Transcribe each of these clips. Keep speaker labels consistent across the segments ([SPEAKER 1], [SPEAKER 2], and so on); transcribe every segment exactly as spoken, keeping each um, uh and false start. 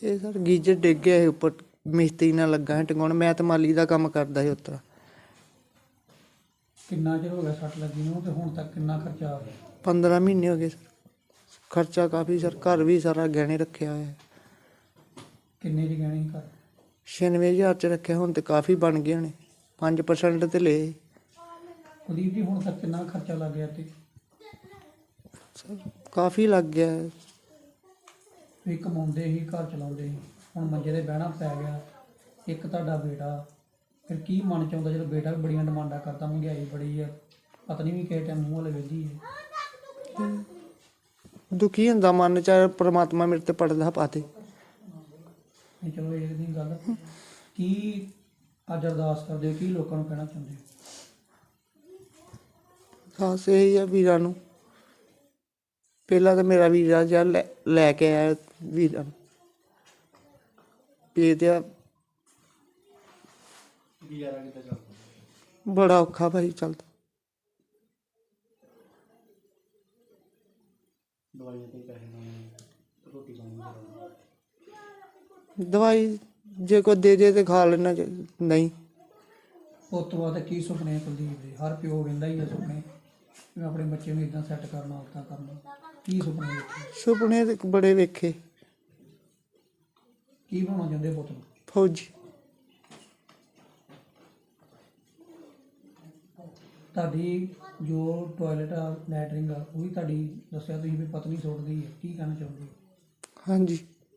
[SPEAKER 1] ਇਹ sir geyser ਡਿੱਗ ਗਿਆ ਸੀ ਉੱਪਰ, ਮਿਸਤਰੀ ਨਾਲ ਲੱਗਾ ਸੀ ਟਿਕਾਉਣ। ਮੈਂ ਤਾਂ ਮਾਲੀ ਦਾ ਕੰਮ ਕਰਦਾ ਸੀ ਉੱਤਰਾ।
[SPEAKER 2] ਕਿੰਨਾ ਚਿਰ ਹੋ ਗਿਆ ਸੱਟ ਲੱਗੀ ਨੂੰ ਤੇ ਹੁਣ ਤੱਕ ਕਿੰਨਾ ਖਰਚਾ ਆ ਗਿਆ?
[SPEAKER 1] ਪੰਦਰਾਂ ਮਹੀਨੇ ਹੋ ਗਏ ਸਰ। ਖਰਚਾ ਕਾਫੀ ਸਰ, ਘਰ ਵੀ ਸਾਰਾ ਗਹਿਣੇ ਰੱਖਿਆ ਹੋਇਆ।
[SPEAKER 2] ਕਿੰਨੇ ਦੀ ਗਹਿਣੇ ਘਰ?
[SPEAKER 1] ਛਿਆਨਵੇਂ ਹਜ਼ਾਰ ਚ ਰੱਖਿਆ, ਹੁਣ ਤੇ ਕਾਫੀ ਬਣ ਗਏ ਹੋਣੇ। ਪੰਜ ਪਰਸੈਂਟ ਤੇ ਲਏ
[SPEAKER 2] ਕੁਲਦੀਪ ਜੀ, ਹੁਣ ਤੱਕ ਕਿੰਨਾ ਖਰਚਾ ਲੱਗ ਗਿਆ ਤੇ?
[SPEAKER 1] ਸਰ ਕਾਫੀ ਲੱਗ ਗਿਆ।
[SPEAKER 2] ਤੁਸੀਂ ਕਮਾਉਂਦੇ ਸੀ, ਘਰ ਚਲਾਉਂਦੇ ਸੀ, ਹੁਣ ਮੰਜੇ ਤੇ ਬਹਿਣਾ ਪੈ ਗਿਆ। ਇੱਕ ਤੁਹਾਡਾ ਬੇਟਾ, ਫਿਰ ਕੀ ਮਨ ਚ ਆਉਂਦਾ ਜਦੋਂ ਬੇਟਾ ਵੀ ਬੜੀਆਂ ਡਿਮਾਂਡਾਂ ਕਰਦਾ, ਮਹਿੰਗਾਈ ਬੜੀ ਆ, ਪਤਨੀ ਵੀ ਕਿਸੇ ਟਾਈਮ ਮੂੰਹ ਵਾਲੇ ਵੇਖਦੀ ਹੈ।
[SPEAKER 1] ਦੁਖੀ ਹੁੰਦਾ ਮਨ ਚ, ਪ੍ਰਮਾਤਮਾ ਮੇਰੇ ਤੇ ਪੜਦਾ ਪਾਤੇ।
[SPEAKER 2] ਨਹੀਂ ਚਲੋ ਇਹ ਨਹੀਂ ਗੱਲ, ਕੀ ਅੱਜ ਅਰਦਾਸ ਕਰਦੇ ਹੋ, ਕੀ ਲੋਕਾਂ ਨੂੰ ਕਹਿਣਾ ਚਾਹੁੰਦੇ ਹੋ?
[SPEAKER 1] ਖਾਸ ਇਹੀ ਆ ਵੀਰਾਂ ਨੂੰ, ਪਹਿਲਾਂ ਤਾਂ ਮੇਰਾ ਵੀਰਾ ਜਿਹਾ ਲੈ ਲੈ ਕੇ ਆਇਆ ਵੀਰਾਂ ਨੂੰ ਭੇਜਿਆ। ਬੜਾ ਔਖਾ ਭਾਈ ਚੱਲਦਾ। ਦਵਾਈ ਜੇ ਕੋਈ ਦੇ ਦੇ ਤੇ ਖਾ ਲੈਣਾ, ਨਹੀਂ।
[SPEAKER 2] ਉਸ ਤੋਂ ਬਾਅਦ ਕੀ ਸੁਪਨੇ ਕੁਲਦੀਪ ਦੇ? ਹਰ ਪਿਓ ਕਹਿੰਦਾ ਹੀ ਆ ਸੁਪਨੇ, ਮੈਂ ਆਪਣੇ ਬੱਚੇ ਨੂੰ ਇੱਦਾਂ ਸੈੱਟ ਕਰਨਾ, ਉੱਦਾਂ ਕਰਨਾ। ਕੀ ਸੁਪਨੇ ਵੇਖੇ?
[SPEAKER 1] ਸੁਪਨੇ ਤੇ ਬੜੇ ਵੇਖੇ।
[SPEAKER 2] ਕੀ ਬਣਾਉਣਾ ਚਾਹੁੰਦੇ ਪੁੱਤ ਨੂੰ?
[SPEAKER 1] ਫੌਜੀ।
[SPEAKER 2] ਤੁਹਾਡੀ ਜੋ ਟੋਇਲਟ ਆ, ਲੈਟਰਿੰਗ ਆ, ਉਹ ਵੀ ਤੁਹਾਡੀ ਦੱਸਿਆ ਤੁਸੀਂ ਵੀ ਪਤਨੀ ਸੁੱਟਦੀ ਹੈ, ਕੀ ਕਹਿਣਾ ਚਾਹੁੰਦੇ ਹੋ?
[SPEAKER 1] ਹਾਂਜੀ।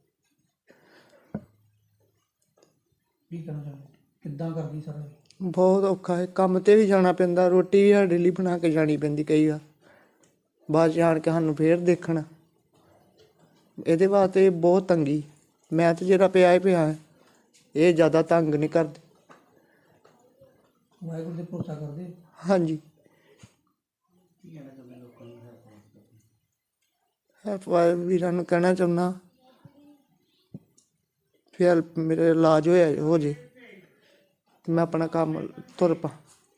[SPEAKER 2] ਕੀ ਕਹਿਣਾ ਚਾਹੁੰਦੇ, ਕਿੱਦਾਂ ਕਰਦੀ ਸਾਰਾ?
[SPEAKER 1] ਬਹੁਤ ਔਖਾ ਹੈ, ਕੰਮ ਤੇ ਵੀ ਜਾਣਾ ਪੈਂਦਾ, ਰੋਟੀ ਵੀ ਸਾਡੇ ਲਈ ਬਣਾ ਕੇ ਜਾਣੀ ਪੈਂਦੀ ਕਈ ਵਾਰ, ਬਾਅਦ 'ਚ ਆਣ ਕੇ ਸਾਨੂੰ ਫੇਰ ਦੇਖਣਾ। ਇਹਦੇ ਵਾਸਤੇ ਬਹੁਤ ਤੰਗੀ। ਮੈਂ ਤਾਂ ਜਿਹੜਾ ਪਿਆ ਹੀ ਪਿਆ, ਇਹ ਜ਼ਿਆਦਾ ਤੰਗ ਨਹੀਂ ਕਰਦੇ।
[SPEAKER 2] ਵਾਹਿਗੁਰੂ ਦੇ ਭਰੋਸਾ ਕਰਦੇ?
[SPEAKER 1] ਹਾਂਜੀ। ਹੈਲਪ ਵਾਲੇ ਵੀਰਾਂ ਨੂੰ ਕਹਿਣਾ ਚਾਹੁੰਦਾ, ਫਿਰ ਮੇਰੇ ਇਲਾਜ ਹੋਇਆ ਹੋ ਜੇ ਤੇ ਮੈਂ ਆਪਣਾ ਕੰਮ ਤੁਰ ਪਾ।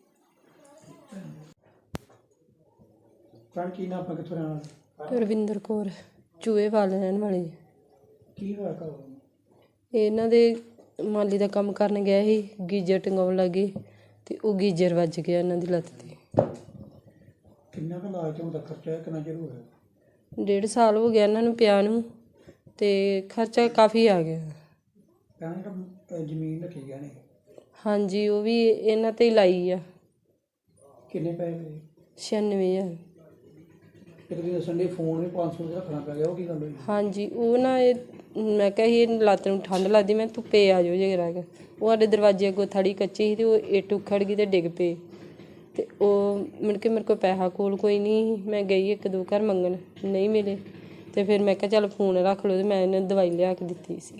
[SPEAKER 2] ਭੈਣ ਕੀ ਨਾਮ, ਆਪਾਂ ਕਿੱਥੋਂ ਰਹਿਣ ਵਾਲੇ?
[SPEAKER 3] ਰਵਿੰਦਰ ਕੌਰ, ਚੂਹੇ ਵਾਲ ਰਹਿਣ ਵਾਲੀ।
[SPEAKER 2] ਕੀ ਹੋਇਆ ਘਰ?
[SPEAKER 3] ਇਹਨਾਂ ਦੇ ਮਾਲੀ ਦਾ ਕੰਮ ਕਰਨ ਗਿਆ ਸੀ, ਗੀਜ਼ਰ ਟੰਗਾਉਣ ਲੱਗੇ ਤੇ ਉਹ ਗੀਜ਼ਰ ਵੱਜ ਗਿਆ ਇਹਨਾਂ ਦੀ ਲੱਤ ਤੇ।
[SPEAKER 2] ਕਿੰਨਾ ਕੁ ਇਲਾਜ ਹੋਣ ਦਾ ਖਰਚਾ ਹੈ, ਕਿੰਨਾ ਚਿਰ ਹੋਇਆ?
[SPEAKER 3] ਡੇਢ ਸਾਲ ਹੋ ਗਿਆ ਇਹਨਾਂ ਨੂੰ ਪਿਆ ਨੂੰ, ਤੇ ਖਰਚਾ ਕਾਫੀ ਆ ਗਿਆ।
[SPEAKER 2] ਭੈਣ ਜਿਹੜਾ ਜ਼ਮੀਨ ਰੱਖੀ ਗਿਆ ਨੇ?
[SPEAKER 3] ਹਾਂਜੀ, ਉਹ ਵੀ ਇਹਨਾਂ ਤੇ ਹੀ ਲਾਈ ਆ।
[SPEAKER 2] ਕਿੰਨੇ ਪੈਸੇ?
[SPEAKER 3] ਛਿਆਨਵੇਂ ਹਜ਼ਾਰ।
[SPEAKER 2] ਇੱਕ ਤੁਸੀਂ ਦੱਸਣ ਦੇ ਫੋਨ ਵੀ ਪੰਜ ਸੌ ਦਾ ਰੱਖਣਾ ਪੈ ਗਿਆ, ਉਹ ਕੀ ਗੱਲ ਹੋਈ?
[SPEAKER 3] ਹਾਂਜੀ, ਉਹ ਨਾ ਇਹ ਮੈਂ ਕਿਹਾ ਸੀ ਇਹ ਲੱਤ ਨੂੰ ਠੰਡ ਲੱਗਦੀ, ਮੈਂ ਧੁੱਪੇ ਆ ਜਾਓ ਜੇ ਰਹਿ ਉਹ ਸਾਡੇ ਦਰਵਾਜ਼ੇ ਅੱਗੋਂ ਥੜੀ ਕੱਚੀ ਸੀ, ਅਤੇ ਉਹ ਇੱਟ ਉਖੜ ਗਈ ਅਤੇ ਡਿੱਗ ਪਏ। ਅਤੇ ਉਹ ਮੁੜ ਕੇ ਮੇਰੇ ਕੋਲ ਪੈਸਾ ਕੋਲ ਕੋਈ ਨਹੀਂ, ਮੈਂ ਗਈ ਇੱਕ ਦੋ ਘਰ ਮੰਗਣ, ਨਹੀਂ ਮਿਲੇ। ਅਤੇ ਫਿਰ ਮੈਂ ਕਿਹਾ ਚੱਲ ਫੋਨ ਰੱਖ ਲਓ, ਅਤੇ ਮੈਂ ਇਹਨੂੰ ਦਵਾਈ ਲਿਆ ਕੇ ਦਿੱਤੀ ਸੀ।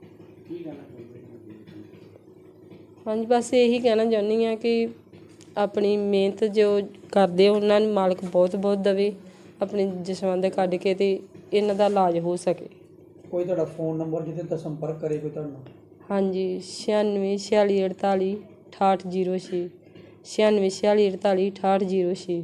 [SPEAKER 3] ਹਾਂਜੀ, ਬਸ ਇਹੀ ਕਹਿਣਾ ਚਾਹੁੰਦੀ ਹਾਂ ਕਿ ਆਪਣੀ ਮਿਹਨਤ ਜੋ ਕਰਦੇ ਉਹਨਾਂ ਨੂੰ ਮਾਲਕ ਬਹੁਤ ਬਹੁਤ ਦੇਵੇ, ਆਪਣੇ ਜਸਵੰਤ ਕੱਢ ਕੇ ਅਤੇ ਇਹਨਾਂ ਦਾ ਇਲਾਜ ਹੋ ਸਕੇ।
[SPEAKER 2] ਕੋਈ ਤੁਹਾਡਾ ਫੋਨ ਨੰਬਰ ਜਿਹਦੇ ਤੋਂ ਸੰਪਰਕ ਕਰੇ ਕੋਈ ਤੁਹਾਨੂੰ? ਹਾਂਜੀ,
[SPEAKER 3] ਛਿਆਨਵੇਂ ਛਿਆਲੀ ਅਠਤਾਲੀ ਅਠਾਹਠ ਜੀਰੋ ਛੇ, ਛਿਆਨਵੇਂ ਛਿਆਲੀ ਅਠਤਾਲੀ ਅਠਾਹਠ ਜੀਰੋ ਛੇ।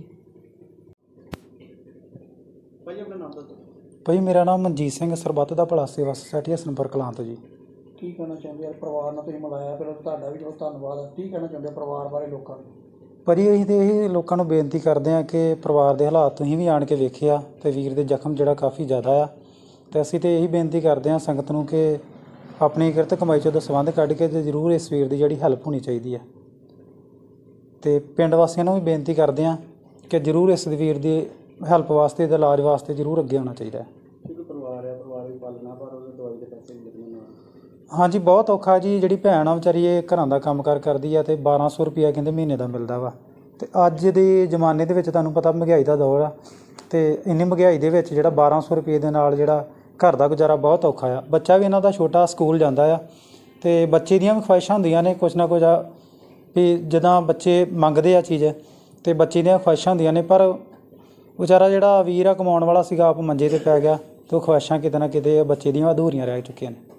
[SPEAKER 2] ਭਾਈ ਆਪਣਾ ਨਾਮ ਦੱਸੋ।
[SPEAKER 4] ਭਾਈ ਮੇਰਾ ਨਾਮ ਮਨਜੀਤ ਸਿੰਘ, ਸਰਬੱਤ ਦਾ ਭਲਾ ਸੇਵਾ ਸੁਸਾਇਟੀ ਹਸਨਪੁਰ ਕਲਾਂ ਤੋਂ ਜੀ।
[SPEAKER 2] ਕੀ ਕਹਿਣਾ ਚਾਹੁੰਦੇ ਹੋ ਪਰਿਵਾਰ ਨਾਲ ਤੁਸੀਂ ਮਿਲਾਇਆ, ਫਿਰ ਤੁਹਾਡਾ ਵੀ ਬਹੁਤ ਧੰਨਵਾਦ। ਕੀ ਕਹਿਣਾ ਚਾਹੁੰਦੇ ਹੋ ਪਰਿਵਾਰ ਬਾਰੇ ਲੋਕਾਂ ਨੂੰ?
[SPEAKER 4] ਭਾਜੀ ਅਸੀਂ ਤਾਂ ਇਹ ਲੋਕਾਂ ਨੂੰ ਬੇਨਤੀ ਕਰਦੇ ਹਾਂ ਕਿ ਪਰਿਵਾਰ ਦੇ ਹਾਲਾਤ ਤੁਸੀਂ ਵੀ ਆਣ ਕੇ ਵੇਖਿਆ ਅਤੇ ਵੀਰ ਦੇ ਜ਼ਖਮ ਜਿਹੜਾ ਕਾਫੀ ਜ਼ਿਆਦਾ ਆ, ਅਤੇ ਅਸੀਂ ਤਾਂ ਇਹੀ ਬੇਨਤੀ ਕਰਦੇ ਹਾਂ ਸੰਗਤ ਨੂੰ ਕਿ ਆਪਣੀ ਕਿਰਤ ਕਮਾਈ 'ਚੋਂ ਦਸਵੰਧ ਕੱਢ ਕੇ ਅਤੇ ਜ਼ਰੂਰ ਇਸ ਵੀਰ ਦੀ ਜਿਹੜੀ ਹੈਲਪ ਹੋਣੀ ਚਾਹੀਦੀ ਹੈ। ਅਤੇ ਪਿੰਡ ਵਾਸੀਆਂ ਨੂੰ ਵੀ ਬੇਨਤੀ ਕਰਦੇ ਹਾਂ ਕਿ ਜ਼ਰੂਰ ਇਸ ਵੀਰ ਦੀ ਹੈਲਪ ਵਾਸਤੇ ਅਤੇ ਇਲਾਜ ਵਾਸਤੇ ਜ਼ਰੂਰ ਅੱਗੇ ਆਉਣਾ ਚਾਹੀਦਾ ਹੈ।
[SPEAKER 2] ਪਰਿਵਾਰ ਹੈ, ਪਰਿਵਾਰ ਵੀ ਪਾਲਣਾ, ਪਰ ਉਹਦੇ ਦਵਾਈ ਦੇ ਪੈਸੇ ਨਹੀਂ ਲੱਗਣੇ।
[SPEAKER 4] ਹਾਂਜੀ, ਬਹੁਤ ਔਖਾ ਜੀ। ਜਿਹੜੀ ਭੈਣ ਆ ਵਿਚਾਰੀ ਇਹ ਘਰਾਂ ਦਾ ਕੰਮ ਕਾਰ ਕਰਦੀ ਆ ਅਤੇ ਬਾਰ੍ਹਾਂ ਸੌ ਰੁਪਈਆ ਕਹਿੰਦੇ ਮਹੀਨੇ ਦਾ ਮਿਲਦਾ ਵਾ। ਅਤੇ ਅੱਜ ਦੇ ਜ਼ਮਾਨੇ ਦੇ ਵਿੱਚ ਤੁਹਾਨੂੰ ਪਤਾ ਮਹਿੰਗਾਈ ਦਾ ਦੌਰ ਆ, ਅਤੇ ਇੰਨੀ ਮਹਿੰਗਾਈ ਦੇ ਵਿੱਚ ਜਿਹੜਾ ਬਾਰ੍ਹਾਂ ਸੌ ਰੁਪਏ ਦੇ ਨਾਲ ਜਿਹੜਾ ਘਰ ਦਾ ਗੁਜ਼ਾਰਾ ਬਹੁਤ ਔਖਾ ਆ। ਬੱਚਾ ਵੀ ਇਹਨਾਂ ਦਾ ਛੋਟਾ ਸਕੂਲ ਜਾਂਦਾ ਆ, ਅਤੇ ਬੱਚੇ ਦੀਆਂ ਵੀ ਖਵਾਹਿਸ਼ਾਂ ਹੁੰਦੀਆਂ ਨੇ ਕੁਛ ਨਾ ਕੁਝ ਆ ਵੀ ਜਿੱਦਾਂ ਬੱਚੇ ਮੰਗਦੇ ਆ ਚੀਜ਼, ਅਤੇ ਬੱਚੇ ਦੀਆਂ ਖਵਾਹਿਸ਼ਾਂ ਹੁੰਦੀਆਂ ਨੇ, ਪਰ ਵਿਚਾਰਾ ਜਿਹੜਾ ਵੀਰ ਆ ਕਮਾਉਣ ਵਾਲਾ ਸੀਗਾ ਆਪ ਮੰਜੇ 'ਤੇ ਪੈ ਗਿਆ, ਅਤੇ ਉਹ ਖਵਾਹਿਸ਼ਾਂ ਕਿਤੇ ਨਾ ਕਿਤੇ ਬੱਚੇ ਦੀਆਂ ਅਧੂਰੀਆਂ ਰਹਿ ਚੁੱਕੀਆਂ ਨੇ।